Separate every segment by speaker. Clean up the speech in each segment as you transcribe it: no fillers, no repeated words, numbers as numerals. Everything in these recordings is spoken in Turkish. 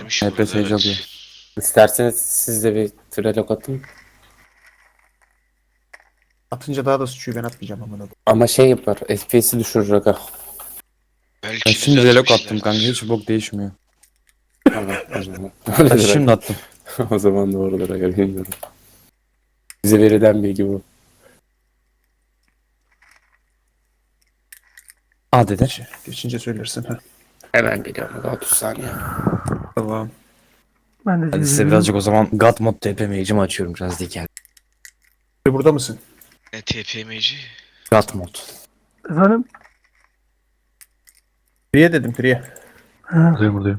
Speaker 1: Varmış
Speaker 2: HP
Speaker 1: burada,
Speaker 2: Sage alıyor.
Speaker 1: evet.
Speaker 3: İsterseniz siz de bir trelok atın.
Speaker 4: Atınca daha da sıçıyor, ben atmayacağım amına.
Speaker 3: Ama şey yapar. FPS'i düşürür aga.
Speaker 2: Ben
Speaker 1: Belki
Speaker 2: şimdi relok attım
Speaker 1: düzeltmişlerdir.
Speaker 2: kanka, hiç bok değişmiyor.
Speaker 3: Tamam o zaman.
Speaker 2: Hadi
Speaker 3: Öyledir
Speaker 2: şimdi
Speaker 3: aga.
Speaker 2: attım.
Speaker 3: O zaman doğrudur aga, bilmiyorum. Bize verilen bilgi bu.
Speaker 2: A dedi.
Speaker 4: Geçince söylersin. Ha.
Speaker 3: Hemen geliyorum aga, 30 saniye.
Speaker 4: Tamam.
Speaker 5: Ben de
Speaker 2: Hadi size
Speaker 5: dedim,
Speaker 2: birazcık o zaman God mod TP mage'imi açıyorum biraz diken.
Speaker 4: Burada mısın?
Speaker 1: Ne TPM'ci?
Speaker 2: God mod.
Speaker 5: efendim.
Speaker 4: Priye dedim, Priye.
Speaker 5: Ha,
Speaker 6: Buradayım.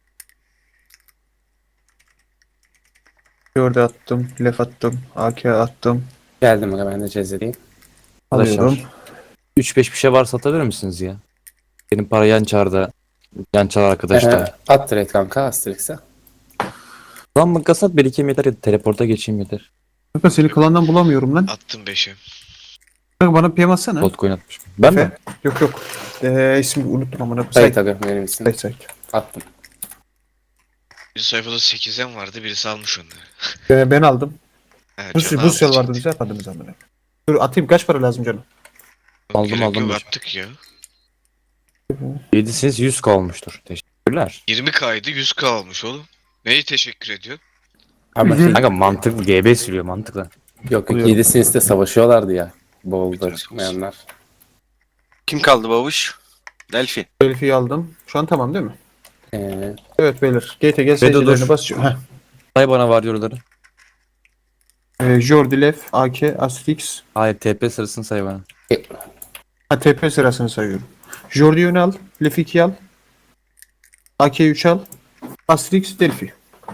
Speaker 4: Gördü attım, lef attım, AK attım.
Speaker 3: Geldim aga, ben de cezedeyim.
Speaker 4: Alıyorum.
Speaker 2: 3-5 bir şey varsa atabilir misiniz ya? Benim para yan çarda. Yan çar arkadaşlar.
Speaker 3: At direkt kanka Asterix'e.
Speaker 2: Lan mı kasat birikeyim yeter ya da teleporta geçeyim yeter.
Speaker 4: Kanka seni klandan bulamıyorum lan.
Speaker 1: Attım 5'e.
Speaker 4: Kanka bana PM atsana.
Speaker 2: Botcoin atmışım. Ben mi?
Speaker 4: Efe. Yok yok. İsmi unuttum amına.
Speaker 3: Sait aga benim isim.
Speaker 4: Sait.
Speaker 3: Attım.
Speaker 1: Bir sayfada 8'en vardı, birisi almış onları.
Speaker 4: Ben aldım.
Speaker 1: Ha,
Speaker 4: Bu
Speaker 1: Can
Speaker 4: sel
Speaker 1: aldı
Speaker 4: vardı,
Speaker 1: ciddi.
Speaker 4: bize yapadınız amına. Dur atayım, kaç para lazım canım?
Speaker 2: Aldım,
Speaker 1: Gerek
Speaker 2: aldım
Speaker 1: yok,
Speaker 2: hocam.
Speaker 1: attık ya.
Speaker 2: 7'siniz 100k olmuştur. Teşekkürler.
Speaker 1: 20K'ydı, 100K almış oğlum. Neyi teşekkür ediyor?
Speaker 3: Ama
Speaker 5: Bizim-
Speaker 2: Kanka mantıklı, GB sürüyor mantıklı.
Speaker 3: yok yok,
Speaker 4: Buluyorum.
Speaker 3: 7 siniste savaşıyorlardı ya. Bolda
Speaker 1: Biraz
Speaker 3: çıkmayanlar.
Speaker 7: Kim kaldı babuş? Delphi.
Speaker 4: Elif'i aldım. Şu an tamam değil mi?
Speaker 3: Ee,
Speaker 4: Evet beyler. Gate'e gel,
Speaker 2: Bedo
Speaker 4: seyircilerine
Speaker 2: dur.
Speaker 4: basıyor. Heh.
Speaker 2: Say bana varyorları.
Speaker 4: Jordi, Lef, AK, Astrix.
Speaker 2: Hayır TP sırasını say bana.
Speaker 4: Ha, TP sırasını sayıyorum. Jordi'yi öne al. Lef'i 2 al. AK 3 al. Astrix, Delphi.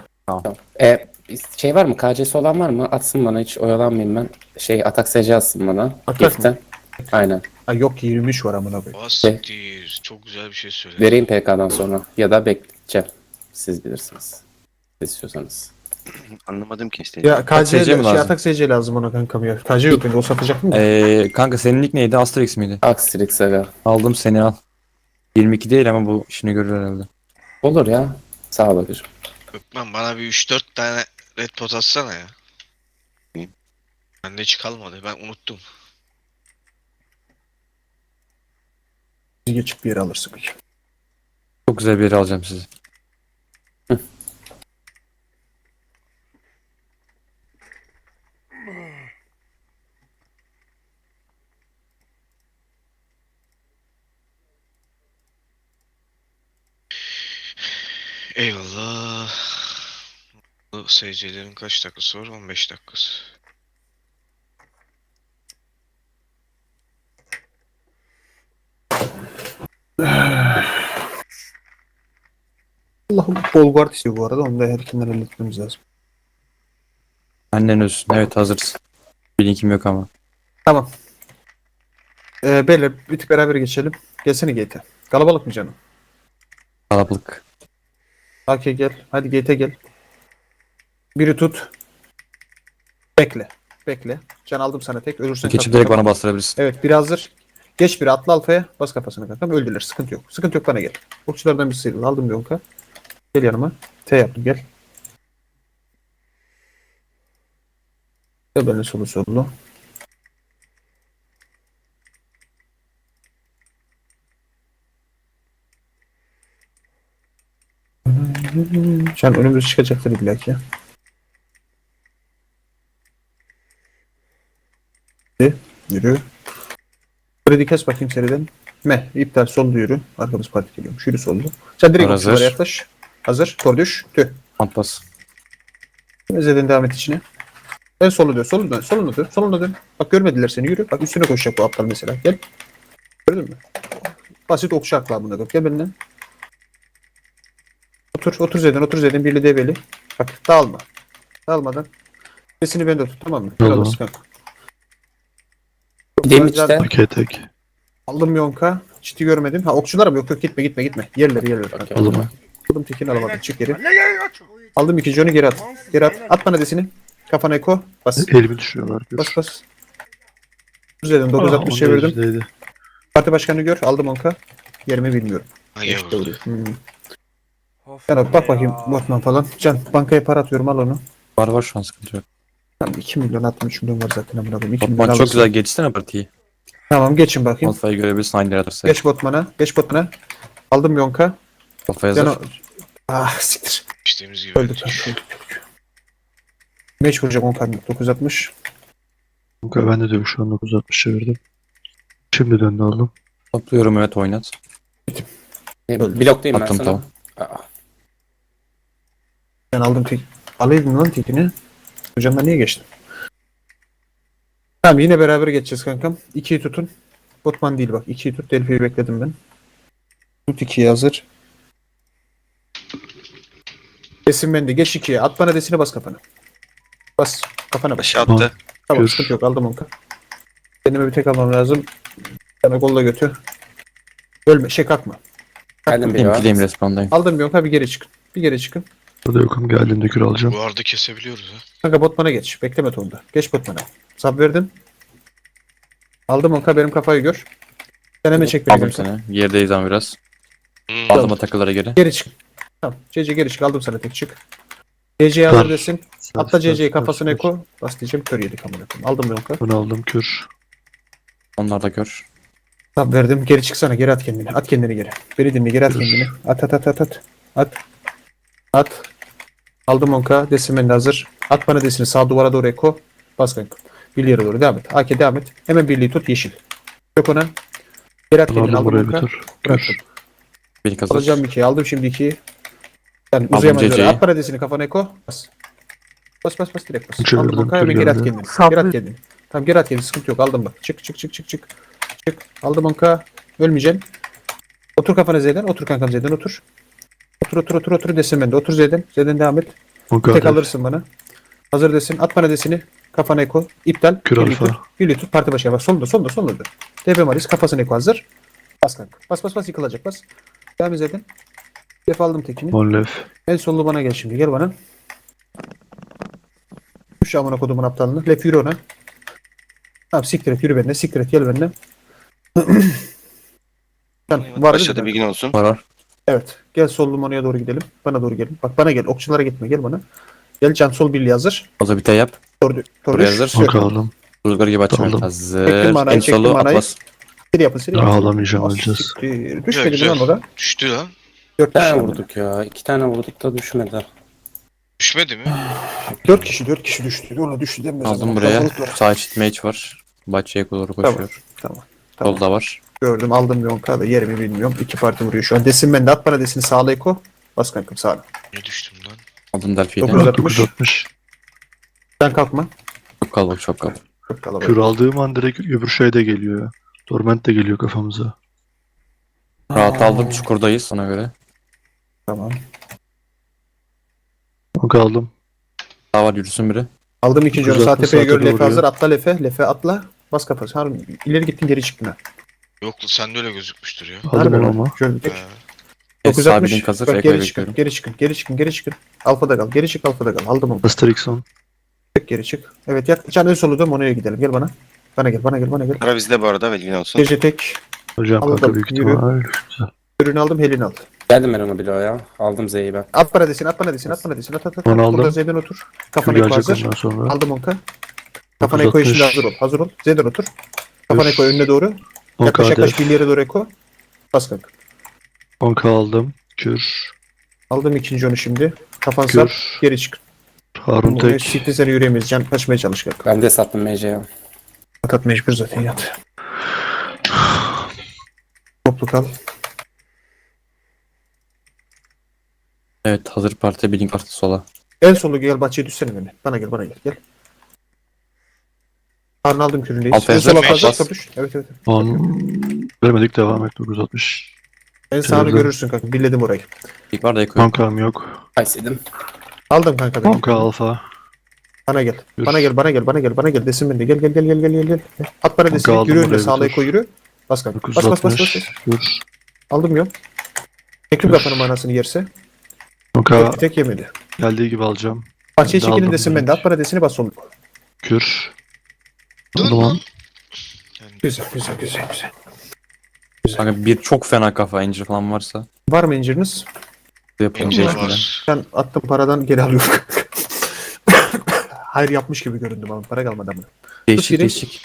Speaker 3: şey var mı? KC'si olan var mı? Atsın bana, hiç oyalanmayayım ben. Şey, atak SC atsın bana.
Speaker 4: Atak
Speaker 3: Gift'ten.
Speaker 4: mı?
Speaker 3: Aynen.
Speaker 4: Ha yok, 23 var amına koyayım.
Speaker 1: Siktir. Çok güzel bir şey söyledi.
Speaker 3: Vereyim PK'dan sonra. Ya da bekleyeceğim. Siz bilirsiniz. Siz istiyorsanız.
Speaker 7: Anlamadım ki işte.
Speaker 4: Ya KC
Speaker 2: SC mi lazım?
Speaker 4: atak SC lazım ona kankam ya. KC yok bende, o satacak mı?
Speaker 2: Kanka senin nick neydi? Asterix miydi?
Speaker 3: Asterix aga.
Speaker 2: Aldım seni al. 22 değil ama bu işini görür herhalde.
Speaker 3: Olur ya. Sağ ol agacığım.
Speaker 1: Öpmem, bana bir 3-4 tane red pot atsana ya.
Speaker 7: İyi.
Speaker 1: Bende hiç kalmadı, ben unuttum.
Speaker 4: Geçip bir yere alırsın.
Speaker 2: Çok güzel bir yere alacağım sizi.
Speaker 1: Eyvallah. Bu SC'lerin kaç dakikası var? 15 dakikası.
Speaker 4: Allah'ım, bol guard istiyor bu arada. Onu da erkenden halletmemiz lazım.
Speaker 2: Annen ölsün. Evet hazırız. Bir linkim yok ama.
Speaker 4: Tamam. Beyler bir tık beraber geçelim. Gelsene Gate'e. Kalabalık mı canım?
Speaker 2: Kalabalık.
Speaker 4: AK gel. Hadi Gate'e gel. Biri tut. Bekle. Bekle. Can aldım sana tek. Ölürsen
Speaker 2: Geçip
Speaker 4: kalk.
Speaker 2: direkt
Speaker 4: Tamam.
Speaker 2: bana bastırabilirsin.
Speaker 4: Evet, biri hazır. Geç biri, atla alfaya. Bas kafasına kankam. Öldüler. Sıkıntı yok. Sıkıntı yok, bana gel. Okçulardan bir sıyrıl. Aldım bir onka. Gel yanıma. T yaptım, gel. Gel benimle solu solu. Can önümüz çıkacaktır illa ki. Yürü. Kredi kes bakayım seriden. İptal soldu yürü. Arkamız parti geliyormuş. Yürü soldu. Sen direkt
Speaker 2: Hazır.
Speaker 4: okçulara yaklaş. Hazır. Tor düş. Tüh.
Speaker 2: Atlas.
Speaker 4: Zeden devam et içine. En solu dön. Soluna dön. Soluna dön. Soluna dön. Bak görmediler seni. Yürü. Bak üstüne koşacak bu aptal mesela. Gel. Gördün mü? Basit okçu akla bunda. Gel benden. Otur. Otur Zeden. Otur Zeden. Birli develi. Bak dağılma. Dağılmadan. Sesini bende tut. Tamam mı?
Speaker 6: Oldu.
Speaker 4: Alırsın kanka.
Speaker 3: Gideyim içten.
Speaker 6: Okey tek.
Speaker 4: Aldım yonka. Çiti görmedim. Ha okçular mı? Yok yok, gitme gitme gitme. Yerleri.
Speaker 3: Okey.
Speaker 6: Aldım mı?
Speaker 4: Aldım tekini alamadım. Çık geri. Aldım ikinci onu geri at. Geri at. At bana desini. Kafana eko. Bas.
Speaker 6: Elimi düşürüyorlar.
Speaker 4: Bas bas. 960 çevirdim.
Speaker 6: Çevirdim.
Speaker 4: Parti başkanını gör. Aldım onka. Yerimi bilmiyorum.
Speaker 1: Ha gel
Speaker 4: İşte
Speaker 1: burada.
Speaker 4: vuruyor.
Speaker 6: Of
Speaker 4: Can bak
Speaker 6: be
Speaker 4: bakayım
Speaker 6: ya.
Speaker 4: Batman falan. Can bankaya para atıyorum al onu.
Speaker 2: Var var şu an sıkıntı yok.
Speaker 4: Tamam 2 milyon 63 milyon var zaten amına koyayım. 2 milyon
Speaker 2: Botman çok
Speaker 4: alırsın.
Speaker 2: güzel geçsene partiyi.
Speaker 4: Tamam geçin bakayım.
Speaker 2: Alfa'yı görebilirsin aynı yere atarsa.
Speaker 4: Geç Botman'a. Geç Botman'a. Aldım Yonka.
Speaker 2: Alfa yazar.
Speaker 4: Can ah siktir.
Speaker 1: İşte gibi.
Speaker 4: Öldük. Meç vuracak 10 kalbim. 960.
Speaker 8: Kanka ben de diyorum şu an 960 çevirdim. Şimdi döndü aldım.
Speaker 2: Topluyorum evet oynat.
Speaker 3: Bloktayım ben
Speaker 2: Attım
Speaker 3: sana.
Speaker 2: tamam.
Speaker 3: Aa,
Speaker 4: Ben aldım tek. Alaydım lan tekini. Hocamdan niye geçtin? Tamam yine beraber geçeceğiz kankam. 2'yi tutun. Botman değil bak. 2'yi tut. Delphi'yi bekledim ben. Tut 2'yi hazır. Desin bende. Geç 2'ye. At bana desini bas kafana. Bas. Kafana bas.
Speaker 7: Başı attı.
Speaker 4: Tamam
Speaker 8: Gör.
Speaker 4: sıkıntı yok. Aldım onu. Kendime bir tek almam lazım. Sana kolla götü. Ölme. Kalkma.
Speaker 3: geldim bir
Speaker 2: Benim
Speaker 3: var.
Speaker 2: kileyim respawn'dayım.
Speaker 4: Aldım bir yonka bir geri çıkın. Bir geri çıkın.
Speaker 8: Burada yokum geldiğimde kür alacağım.
Speaker 1: Bu arada kesebiliyoruz ha.
Speaker 4: Kanka botmana geç. Bekleme tonda. Geç botmana. Sab verdim. Aldım onka benim kafayı gör. Sen hemen çek beni.
Speaker 2: Aldım
Speaker 4: kanka.
Speaker 2: seni. Yerdeyizden biraz.
Speaker 1: Hmm.
Speaker 2: Aldım o takılara geri.
Speaker 4: Geri çık. Tamam. CC geri çık. Aldım sana tek çık. CC'ye hazır desin. Atla CC'yi kafasına eko. Bas diyeceğim. Kör yedik amına koyayım. Aldım yonka.
Speaker 8: Bunu aldım kür.
Speaker 2: Onlar da gör.
Speaker 4: Sab verdim. Geri çıksana. Geri at kendini. At kendini geri. Beni dinle. Geri at kendini. At at at at at. At. At. Aldım onka. Desin de hazır. At bana desini. Sağ duvara doğru eko. Bas kanka. Birliğe doğru. Devam et. AK devam et. Hemen birliği tut. Yeşil. Yok ona. Geri at
Speaker 8: Bunu
Speaker 4: kendini.
Speaker 8: aldım
Speaker 4: Aldım
Speaker 8: buraya
Speaker 4: onka.
Speaker 8: bir tur.
Speaker 4: Bıraktım.
Speaker 8: Kür.
Speaker 2: Bir hazır.
Speaker 4: Alacağım 2'yi. Aldım şimdi 2'yi. Yani
Speaker 2: Aldım
Speaker 4: uzayamaz öyle.
Speaker 2: CC'yi.
Speaker 4: At paradesini kafana eko. Bas. Bas bas bas direkt bas.
Speaker 8: Çevirdim,
Speaker 4: Aldım onka. Hemen
Speaker 8: dur
Speaker 4: geri at
Speaker 8: geldi.
Speaker 4: kendini.
Speaker 5: Sabri.
Speaker 4: Geri at kendini. Tamam geri at kendini. Sıkıntı yok. Aldım bak. Çık çık çık çık çık. Çık. Aldım onka. Ölmeyeceksin. Otur kafana Z'den. Otur kankam Z'den otur. Otur desin ben de. Otur Z'den. Z'den devam et.
Speaker 8: O
Speaker 4: Tek
Speaker 8: kadar.
Speaker 4: alırsın bana. Hazır desin. At bana desini. Kafana eko. İptal.
Speaker 8: Kür
Speaker 4: Birliği
Speaker 8: alfa.
Speaker 4: tut. Birliği tut. Parti başına bak. Solda. TP Maris. Kafasına eko hazır. Bas kanka. Bas yıkılacak bas. Devam et Z'den. Def aldım tekini.
Speaker 8: Mollef.
Speaker 4: En sollu bana gel şimdi. Gel bana. Şu amına kodumun aptalını. Lef yürü ona. Tamam siktir et yürü benimle. Siktir et gel benimle. Sen var değil
Speaker 7: Başladı
Speaker 4: mi?
Speaker 7: bilgin olsun.
Speaker 2: Var var.
Speaker 4: Evet. Gel sol limonaya doğru gidelim. Bana doğru gelin. Bak bana gel. Okçulara gitme. Gel bana. Gel can sol birliği hazır.
Speaker 2: O da bir tey yap.
Speaker 4: Tordu.
Speaker 2: Buraya hazır.
Speaker 8: O aldım.
Speaker 2: Rüzgar gibi açmam.
Speaker 8: Aldım.
Speaker 2: Hazır.
Speaker 4: Çektim manayı,
Speaker 2: En
Speaker 4: çektim
Speaker 2: solu
Speaker 4: manayı.
Speaker 2: Atlas.
Speaker 4: Seri yapın.
Speaker 8: Ağlamayacağım,
Speaker 4: Ah,
Speaker 8: öleceğiz.
Speaker 4: siktir. Düşmedi
Speaker 1: Güzel,
Speaker 4: lan
Speaker 1: güzel.
Speaker 4: orada.
Speaker 1: Düştü lan.
Speaker 4: 4
Speaker 3: Bir tane
Speaker 4: kişi.
Speaker 3: vurduk ya. 2 tane vurduk da düşmedi.
Speaker 1: Düşmedi mi?
Speaker 4: 4 kişi düştü. Ona düştü denmez.
Speaker 2: Aldım
Speaker 4: ama.
Speaker 2: buraya.
Speaker 4: Kalabalık var.
Speaker 2: Sağ çit mage var. Bahçeye doğru koşuyor.
Speaker 4: Tamam.
Speaker 2: Solda var.
Speaker 4: Gördüm aldım Yonka da yerimi bilmiyorum. 2 parti vuruyor şu an. Desin ben de at bana desini sağla eko. Bas kankam sağla.
Speaker 1: Niye düştüm lan?
Speaker 2: Aldım Delphi'yi de.
Speaker 4: 960.
Speaker 8: 960.
Speaker 4: Sen kalkma.
Speaker 2: Çok kalabalık çok kalabalık.
Speaker 4: Çok kalabalık.
Speaker 8: Kür aldığım an direkt öbür şey de geliyor ya. Torment de geliyor kafamıza.
Speaker 2: Rahat aldım. Çukurdayız ona göre.
Speaker 4: Tamam.
Speaker 8: O aldım.
Speaker 2: Daha var yürüsün biri.
Speaker 4: Aldım ikinci onu. Sağ
Speaker 8: 960
Speaker 4: tepeye gör.
Speaker 8: saate
Speaker 4: Lefe
Speaker 8: vuruyor.
Speaker 4: hazır. Atla Lefe. Lefe atla. Bas kafası. Harun ileri gittin geri çıktın ha.
Speaker 1: Yok sende öyle gözükmüştür ya.
Speaker 8: Aldım
Speaker 4: Harbi
Speaker 8: onu
Speaker 4: lan.
Speaker 8: ama.
Speaker 4: Gördük.
Speaker 2: Evet, sağ
Speaker 4: 960.
Speaker 2: bilink hazır.
Speaker 4: Bak,
Speaker 2: Eko'yu
Speaker 4: geri çıkın.
Speaker 2: bekliyorum.
Speaker 4: Geri çıkın. Alfa'da kal. Geri çık Alfa'da kal. Aldım onu.
Speaker 8: Asterixon.
Speaker 4: Tek geri çık. Evet yak. Can en solu dön. Mono'ya gidelim. Gel bana. Bana gel.
Speaker 7: Para bizde bu arada bilgin olsun.
Speaker 4: Gece tek.
Speaker 8: Hocam
Speaker 4: Aldım,
Speaker 8: kanka büyük
Speaker 4: yürü.
Speaker 8: ihtimal. Güzel.
Speaker 4: Ürünü aldım. Helini al.
Speaker 3: Geldim ben ona bloğa. Aldım Z'yi ben.
Speaker 4: At bana desin. At. At.
Speaker 8: Onu aldım.
Speaker 4: Burada Z'den otur.
Speaker 8: Kür
Speaker 4: Kafana eko
Speaker 8: gelecek
Speaker 4: hazır.
Speaker 8: ondan sonra.
Speaker 4: Aldım onka. Kafana eko şimdi
Speaker 8: 960.
Speaker 4: hazır ol. Z'den otur. Kafana eko önüne doğru.
Speaker 8: 10k
Speaker 4: Yaklaş
Speaker 8: def.
Speaker 4: bir yere doğru eko. Bas kanka.
Speaker 8: 10k aldım. Kür.
Speaker 4: Aldım ikinci onu şimdi. Kafan sar.
Speaker 8: Kür.
Speaker 4: Geri çık.
Speaker 8: Harun tek.
Speaker 4: Siktir seni yürüyemeyiz. Can kaçmaya çalış kanka.
Speaker 3: Ben de sattım MC'ye.
Speaker 4: At mecbur zaten yat. Toplu kal.
Speaker 2: Evet hazır parti bilink artı sola.
Speaker 4: En solu gel bahçeye düşsene beni. Bana gel. Harun aldım küründeyiz.
Speaker 2: Alfa
Speaker 4: En
Speaker 2: hazır,
Speaker 4: sola
Speaker 1: mecbur.
Speaker 4: fazla düş. Evet.
Speaker 8: 10. Vermedik devam et 960.
Speaker 4: En sağını
Speaker 8: Küründüm.
Speaker 4: görürsün kanka. Billedim orayı.
Speaker 2: İlk var da Eko'yu.
Speaker 8: 10k'm yok.
Speaker 3: Kaysaydım.
Speaker 4: Aldım kanka beni.
Speaker 8: 10k alfa.
Speaker 4: Bana gel.
Speaker 8: Yürü.
Speaker 4: Bana gel. Desin beni. Gel. At bana desin.
Speaker 8: aldım
Speaker 4: Yürü önüne
Speaker 8: buraya
Speaker 4: sağla
Speaker 8: bir
Speaker 4: eko
Speaker 8: tur.
Speaker 4: yürü. Bas kanka. Bas.
Speaker 8: 960. Kür.
Speaker 4: Aldım yok. Tekim kafanın manasını yerse.
Speaker 8: 10k
Speaker 4: Tek yemedi.
Speaker 8: geldiği gibi alacağım.
Speaker 4: Bahçeye
Speaker 8: Ben de
Speaker 4: çekilin
Speaker 8: aldım
Speaker 4: desin
Speaker 8: direkt.
Speaker 4: ben de. At bana desini bas soluk.
Speaker 8: Kür.
Speaker 1: Dön
Speaker 8: Aldım
Speaker 1: lan.
Speaker 8: onu.
Speaker 4: Güzel.
Speaker 2: Kanka bir çok fena kafa incir falan varsa.
Speaker 4: Var mı inciriniz?
Speaker 2: Yapıyorum
Speaker 1: İnceli
Speaker 2: zaten.
Speaker 1: var.
Speaker 4: Ben attım paradan geri alıyorum. Hayır yapmış gibi göründüm ama para kalmadı ama.
Speaker 2: Değişik
Speaker 4: biri.
Speaker 2: değişik.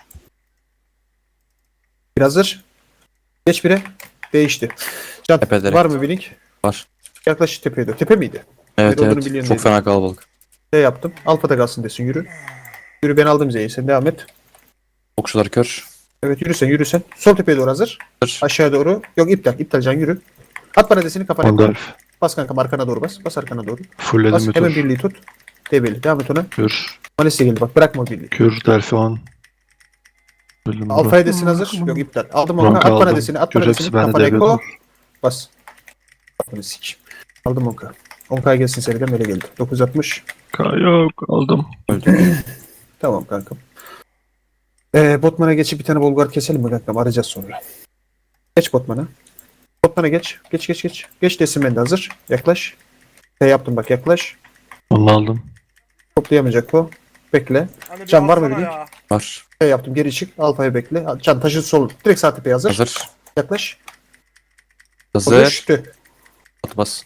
Speaker 4: Bir hazır. Geç bire. Değişti. Can
Speaker 2: Tepe direkt.
Speaker 4: var mı bir link?
Speaker 2: Var.
Speaker 4: Yaklaş tepeye doğru. Tepe miydi?
Speaker 2: Evet
Speaker 4: olduğunu
Speaker 2: evet.
Speaker 4: biliyorum
Speaker 2: Çok
Speaker 4: dedim.
Speaker 2: fena kalabalık.
Speaker 4: Ne yaptım? Alfa'da kalsın desin yürü. Yürü ben aldım Z'yi sen devam et.
Speaker 2: Okçular kör.
Speaker 4: Evet yürü sen. Sol tepeye doğru hazır.
Speaker 2: Hazır.
Speaker 4: Aşağıya doğru. Yok iptal Can yürü. At bana desini kafana.
Speaker 8: Gandalf.
Speaker 4: Bas kankam arkana doğru bas. Bas arkana doğru.
Speaker 8: Fullledim
Speaker 4: Bas
Speaker 8: bir
Speaker 4: hemen
Speaker 8: tur.
Speaker 4: birliği tut. Debeli. Devam et ona.
Speaker 8: Kür.
Speaker 4: Malisi geldi bak bırakma o birliği.
Speaker 8: Kür. Delphi 10. Fullledim burada.
Speaker 4: Alfa'ya desin hazır. Yok iptal. Aldım onu.
Speaker 8: Ronka
Speaker 4: At bana
Speaker 8: aldım.
Speaker 4: desini. At
Speaker 8: Kür
Speaker 4: bana
Speaker 8: hepsi
Speaker 4: desini.
Speaker 8: bende
Speaker 4: Kafana
Speaker 8: devre
Speaker 4: eko.
Speaker 8: dur.
Speaker 4: Bas. Kafanı sik. Aldım onka. Onka'ya gelsin seriden böyle geldi. 960.
Speaker 8: Yok aldım.
Speaker 4: Tamam kankam. Botman'a geçip bir tane Bolgar keselim mi kankam? Arayacağız sonra. Geç Botman'a. Botman'a geç. Geç. Geç desin ben de hazır. Yaklaş. Yaptım bak yaklaş.
Speaker 8: Onu aldım.
Speaker 4: Toplayamayacak o. Bekle. Can var mı bir link?
Speaker 2: Var.
Speaker 4: Yaptım geri çık. Alfa'ya bekle. Can taşı sol. Direkt sağ tepeye hazır.
Speaker 2: Hazır.
Speaker 4: Yaklaş. O
Speaker 2: Hazır.
Speaker 4: düştü.
Speaker 2: At bas.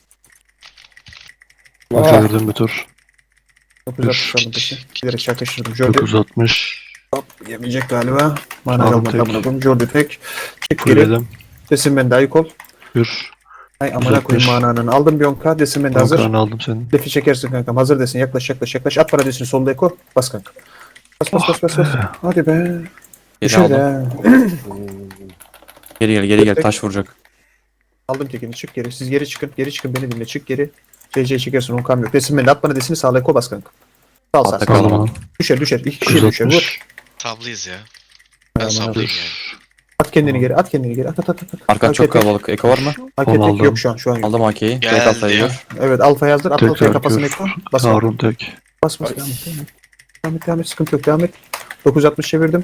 Speaker 8: Çevirdim bir tur.
Speaker 4: 960 aldım peşi. Giderek çakıştırdım. Jordi
Speaker 8: 960.
Speaker 4: yemeyecek galiba. Mana
Speaker 8: Aldım
Speaker 4: kalmadı
Speaker 8: tek.
Speaker 4: amına koyayım. Jordi tek. Çık geri.
Speaker 8: Fullledim.
Speaker 4: Desin ben de ayık ol.
Speaker 8: Kür.
Speaker 4: Ay amına koyayım
Speaker 8: 960.
Speaker 4: mananın. Aldım bir 10k. Desin ben de hazır.
Speaker 8: Onkarını aldım senin.
Speaker 4: Defi çekersin kankam. Hazır desin. Yaklaş. At para desin. Solda eko. Bas kanka. Bas. Hadi be.
Speaker 2: Geri
Speaker 4: Düşer
Speaker 2: aldım.
Speaker 4: ha.
Speaker 2: Geri gel. Taş vuracak.
Speaker 4: Aldım tekini. Çık geri. Siz geri çıkın. Geri çıkın. Beni dinle. Çık geri. CC çekersin. 10k'm yok. Desin ben de at bana desini. Sağla eko bas kanka. Sağ
Speaker 2: Altta
Speaker 4: sağ.
Speaker 2: kaldım.
Speaker 8: Tamam.
Speaker 4: Düşer. İki kişi düşer. Vur.
Speaker 8: 960.
Speaker 1: Tablıyız ya.
Speaker 4: Aman
Speaker 1: Ben sablayayım yani.
Speaker 4: At kendini geri. At.
Speaker 2: Arkan çok kalabalık. Eko var mı?
Speaker 4: Hak
Speaker 8: Onu
Speaker 4: ettik
Speaker 8: aldım.
Speaker 4: yok şu an yok.
Speaker 2: Aldım AK'yi.
Speaker 1: Geldi
Speaker 2: Direkt alfayı
Speaker 1: ya.
Speaker 2: gör.
Speaker 4: Evet alfa yazdır. At alfaya
Speaker 8: Tekrar
Speaker 4: kafasını
Speaker 8: kür.
Speaker 4: eko. Bas.
Speaker 8: Harun tek.
Speaker 4: Bas. Devam et. Sıkıntı yok. Devam et. 960 çevirdim.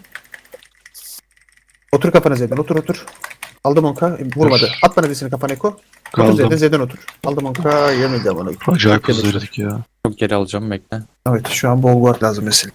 Speaker 4: Otur kafana Z'den. Otur. Aldım 10k. Vurmadı. At bana desini kafana eko. Otur
Speaker 8: Kaldım.
Speaker 4: Z'den otur. Aldım 10k. Yemedi ama.
Speaker 8: Acayip hızlı verdik ya.
Speaker 2: Çok geri alacağım bekle.
Speaker 4: Evet şu an bol guard lazım mesela.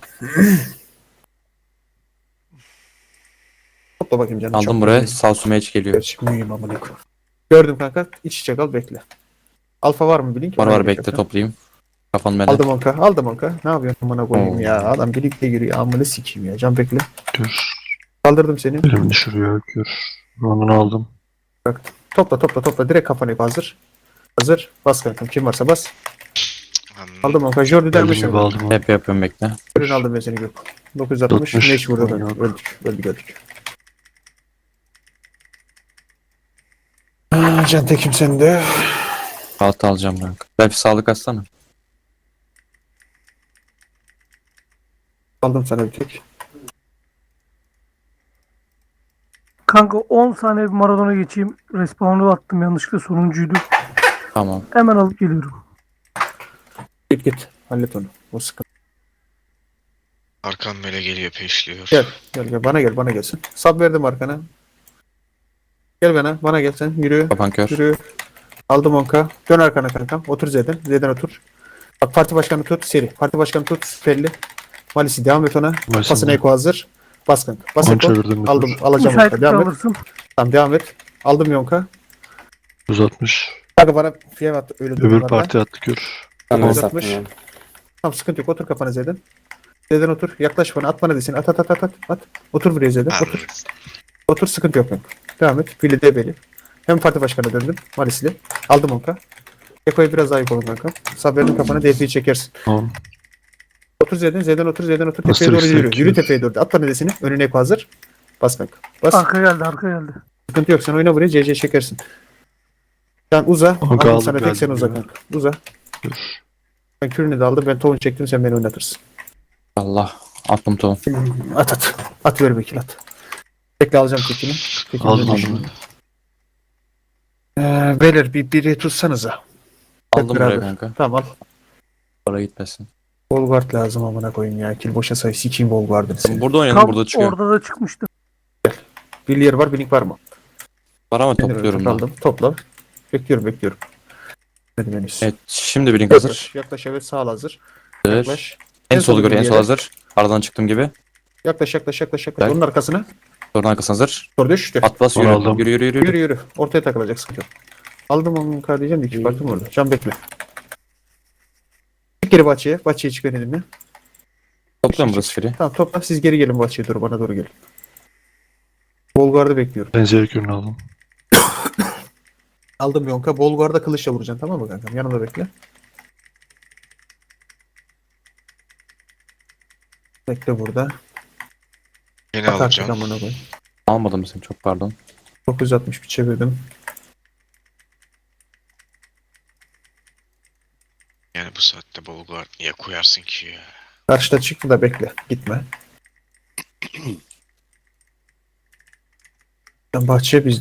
Speaker 4: Topla bakayım canım.
Speaker 2: Aldım
Speaker 4: çok
Speaker 2: buraya.
Speaker 4: mühim.
Speaker 2: Sağ sumeç geliyor.
Speaker 4: Gerçi mühim amına koyayım. Gördüm kanka. İç içe kal bekle. Alfa var mı bilin ki?
Speaker 2: Var bekle toplayayım. Kafanı beni.
Speaker 4: Aldım 10k. Ne yapıyorsun amına koyayım
Speaker 2: Oo.
Speaker 4: ya? Adam birlikte giriyor. Amına sikeyim ya. Can bekle.
Speaker 8: Kür.
Speaker 4: Kaldırdım seni.
Speaker 8: Elimi düşürüyor. Kür. Ronunu aldım.
Speaker 4: Topla. Direkt kafana hazır. Hazır. Bas kankam. Kim varsa bas.
Speaker 1: Hmm.
Speaker 4: Aldım 10k. Jordi der
Speaker 8: Elimi
Speaker 4: misin?
Speaker 8: gibi aldım.
Speaker 2: Hep yapıyorum bekle.
Speaker 4: Ürün aldım ben seni gök. 960.
Speaker 8: 60.
Speaker 4: Neş vurdu.
Speaker 8: Yok.
Speaker 4: Öldük. Can tekim sende.
Speaker 2: Rahat alacağım kanka. Belki sağlık atsana.
Speaker 4: Aldım sana bir tek.
Speaker 5: Kanka 10 saniye bir Maradona geçeyim. Respawn'u attım yanlışlıkla sonuncuydu.
Speaker 2: Tamam.
Speaker 5: Hemen alıp geliyorum.
Speaker 4: Git. Hallet onu. O sıkıntı.
Speaker 1: Arkam böyle geliyor peşliyor.
Speaker 4: Gel. Bana gelsin. Sab verdim arkana. Gel bana gel sen. Yürü.
Speaker 2: Kapan kör.
Speaker 4: Yürü. Aldım 10k. Dön arkana kankam. Otur Z'den otur. Bak parti başkanı tut. Seri. Parti başkanı tut. Süperli. Malisi devam et ona.
Speaker 8: Malisi
Speaker 4: Pasına
Speaker 8: de.
Speaker 4: eko hazır. Bas kanka. Bas
Speaker 8: Onu
Speaker 4: eko.
Speaker 8: çevirdim bir
Speaker 4: Aldım.
Speaker 8: tur.
Speaker 4: Alacağım
Speaker 5: Müsait
Speaker 4: 10k. Devam et.
Speaker 5: alırsın.
Speaker 4: Tamam devam et. Aldım 10k.
Speaker 8: 960.
Speaker 4: Kanka bana fiyat at. Öyle
Speaker 8: Öbür
Speaker 4: durumlarda.
Speaker 8: parti attı kür.
Speaker 3: Tamam
Speaker 4: Tamam.
Speaker 3: sattım ya.
Speaker 4: Tamam sıkıntı yok. Otur kafana Z'den. Z'den otur. Yaklaş bana. At bana desin. At. Otur buraya Z'den. Otur.
Speaker 1: Anladım.
Speaker 4: Otur sıkıntı yok kanka. Devam et. Billy Debeli. Hem parti başkanı döndüm. Malisli. Aldım 10k. Eko'ya biraz daha yıkalım kanka. Sabrenin kafana DF'yi çekersin.
Speaker 8: Tamam.
Speaker 4: Otur Z'den otur. Tepeye
Speaker 8: Bastır
Speaker 4: doğru yürü.
Speaker 8: istek.
Speaker 4: Yürü tepeye doğru. At bana desini. Önüne Eko hazır. Bas kanka. Bas.
Speaker 5: Arka geldi.
Speaker 4: Sıkıntı yok. Sen oyna buraya. CC çekersin. Sen uza.
Speaker 8: Kanka
Speaker 4: Aldım
Speaker 8: aldım,
Speaker 4: sana tek sen
Speaker 8: geldim
Speaker 4: uza
Speaker 8: ya.
Speaker 4: kanka. Uza.
Speaker 8: Kür.
Speaker 4: Ben kürünü de aldım. Ben tohum çektim. Sen beni oynatırsın.
Speaker 2: Allah. Attım tohum.
Speaker 4: At. At ver Bekir at. Bekle alacağım tekini. Tekini
Speaker 8: Aldım
Speaker 4: de
Speaker 8: onu.
Speaker 4: düşün. Beyler biri tutsanıza.
Speaker 2: Aldım
Speaker 4: beraber.
Speaker 2: buraya kanka.
Speaker 4: Tamam al.
Speaker 2: Para gitmesin.
Speaker 4: Bolguard lazım amına koyayım ya. Kill boşa say. Sikiyim Bolguard'ını senin.
Speaker 2: Burada oynayalım.
Speaker 5: Tam
Speaker 2: Burada çıkıyor.
Speaker 5: orada da çıkmıştı.
Speaker 4: Bir yer var. Blink var mı?
Speaker 2: Var ama topluyorum ben.
Speaker 4: Aldım. Topla. Bekliyorum. Hadi henüz.
Speaker 2: Evet. Şimdi bir link hazır.
Speaker 4: Yaklaş evet sağ hazır.
Speaker 2: Hazır.
Speaker 4: Yaklaş.
Speaker 2: En solu gör. En
Speaker 4: bir
Speaker 2: sol
Speaker 4: yere.
Speaker 2: hazır. Aradan çıktım gibi.
Speaker 4: Yaklaş.
Speaker 2: Gel.
Speaker 4: Onun arkasına.
Speaker 2: Sorun arkası hazır.
Speaker 4: Sonra düştü.
Speaker 2: At bas
Speaker 8: Onu
Speaker 2: yürü.
Speaker 8: aldım.
Speaker 2: Yürü.
Speaker 4: Yürü. Ortaya takılacak sıkıntı yok. Aldım onu diyeceğim de iki partim orada. Can bekle. Çık geri bahçeye. Bahçeye çık beni dinle.
Speaker 3: Topluyorum burası free.
Speaker 4: Tamam topla. Siz geri gelin bahçeye doğru. Bana doğru gelin. Bolgar'da bekliyorum.
Speaker 8: Ben Zerkür'ünü aldım.
Speaker 4: Aldım Yonka. Bolgar'da kılıçla vuracaksın tamam mı kankam? Yanımda bekle. Bekle burada.
Speaker 1: Yeni
Speaker 4: At artık
Speaker 1: alacağım.
Speaker 4: amına koy.
Speaker 3: Almadım seni çok pardon.
Speaker 4: 960 bir çevirdim.
Speaker 1: Yani bu saatte Bolgar niye koyarsın ki ya?
Speaker 4: Karşıda çıktı da bekle. Gitme. Bahçeye biz